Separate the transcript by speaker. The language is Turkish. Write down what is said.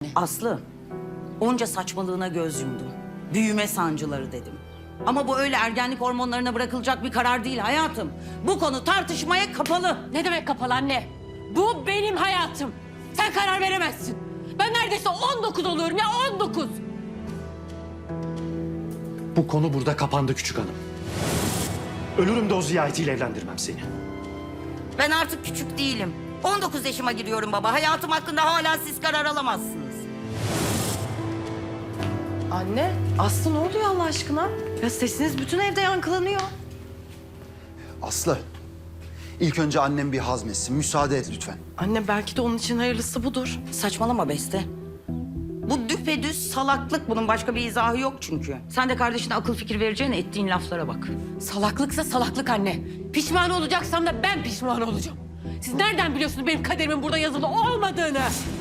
Speaker 1: Aslı, onca saçmalığına göz yumdum. Büyüme sancıları dedim. Ama bu öyle ergenlik hormonlarına bırakılacak bir karar değil hayatım. Bu konu tartışmaya kapalı.
Speaker 2: Ne demek kapalı anne? Bu benim hayatım. Sen karar veremezsin. Ben neredeyse 19 oluyorum ya 19.
Speaker 3: Bu konu burada kapandı küçük hanım. Ölürüm de o ziyaretiyle evlendirmem seni.
Speaker 1: Ben artık küçük değilim. 19 yaşıma giriyorum baba. Hayatım hakkında hala siz karar alamazsınız.
Speaker 4: Anne, Aslı ne oluyor Allah aşkına? Ya sesiniz bütün evde yankılanıyor.
Speaker 5: Aslı, ilk önce annem bir hazmetsin. Müsaade et lütfen.
Speaker 4: Anne belki de onun için hayırlısı budur.
Speaker 1: Saçmalama Beste. Bu düpedüz salaklık. Bunun başka bir izahı yok çünkü. Sen de kardeşine akıl fikir vereceğine ettiğin laflara bak.
Speaker 2: Salaklıksa salaklık anne. Pişman olacaksam da ben pişman olacağım. Siz nereden biliyorsunuz benim kaderimin burada yazılı olmadığını?